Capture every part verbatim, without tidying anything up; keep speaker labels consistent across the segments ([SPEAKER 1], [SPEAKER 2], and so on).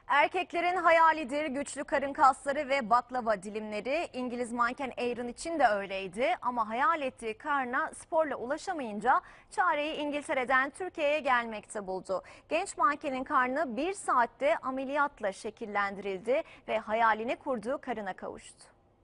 [SPEAKER 1] Erkeklerin hayalidir güçlü karın kasları ve baklava dilimleri. İngiliz manken Aaron için de öyleydi ama hayal ettiği karna sporla ulaşamayınca çareyi İngiltere'den Türkiye'ye gelmekte buldu. Genç mankenin karnı bir saatte ameliyatla şekillendirildi ve hayalini kurduğu karına kavuştu.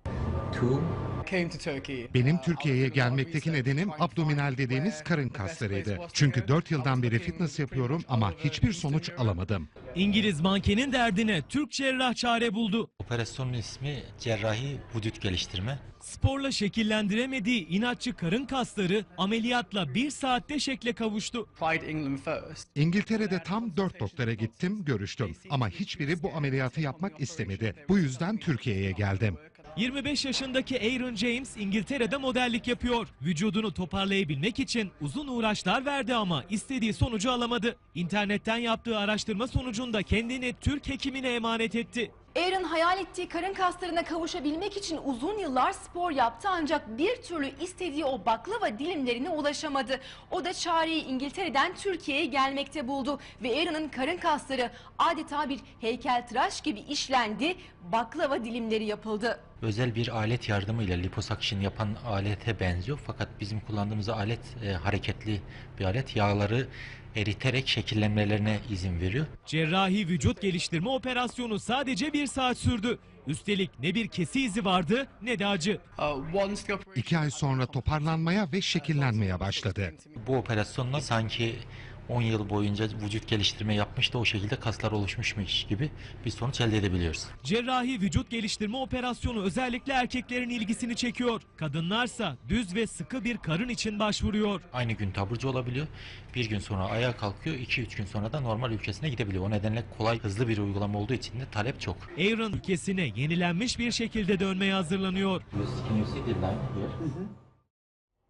[SPEAKER 2] Benim Türkiye'ye gelmekteki nedenim abdominal dediğimiz karın kaslarıydı. Çünkü dört yıldan beri fitness yapıyorum ama hiçbir sonuç alamadım.
[SPEAKER 3] İngiliz mankenin derdine Türk cerrah çare buldu.
[SPEAKER 4] Operasyonun ismi cerrahi vücut geliştirme.
[SPEAKER 3] Sporla şekillendiremediği inatçı karın kasları ameliyatla bir saatte şekle kavuştu.
[SPEAKER 2] İngiltere'de tam dört doktora gittim, görüştüm. Ama hiçbiri bu ameliyatı yapmak istemedi. Bu yüzden Türkiye'ye geldim.
[SPEAKER 3] yirmi beş yaşındaki Aaron James İngiltere'de modellik yapıyor. Vücudunu toparlayabilmek için uzun uğraşlar verdi ama istediği sonucu alamadı. İnternetten yaptığı araştırma sonucunda kendini Türk hekimine emanet etti.
[SPEAKER 5] Aaron hayal ettiği karın kaslarına kavuşabilmek için uzun yıllar spor yaptı ancak bir türlü istediği o baklava dilimlerine ulaşamadı. O da çareyi İngiltere'den Türkiye'ye gelmekte buldu ve Aaron'ın karın kasları adeta bir heykeltıraş gibi işlendi, baklava dilimleri yapıldı.
[SPEAKER 4] Özel bir alet yardımıyla liposuction yapan alete benziyor fakat bizim kullandığımız alet e, hareketli bir alet. Yağları eriterek şekillenmelerine izin veriyor.
[SPEAKER 3] Cerrahi vücut geliştirme operasyonu sadece bir saat sürdü. Üstelik ne bir kesi izi vardı ne de acı.
[SPEAKER 2] İki ay sonra toparlanmaya ve şekillenmeye başladı.
[SPEAKER 4] Bu operasyonla sanki on yıl boyunca vücut geliştirme yapmış da o şekilde kaslar oluşmuşmuş gibi bir sonuç elde edebiliyoruz.
[SPEAKER 3] Cerrahi vücut geliştirme operasyonu özellikle erkeklerin ilgisini çekiyor. Kadınlarsa düz ve sıkı bir karın için başvuruyor.
[SPEAKER 4] Aynı gün taburcu olabiliyor. Bir gün sonra ayağa kalkıyor. iki üç gün sonra da normal ülkesine gidebiliyor. O nedenle kolay, hızlı bir uygulama olduğu için de talep çok.
[SPEAKER 3] Aaron ülkesine yenilenmiş bir şekilde dönmeye hazırlanıyor.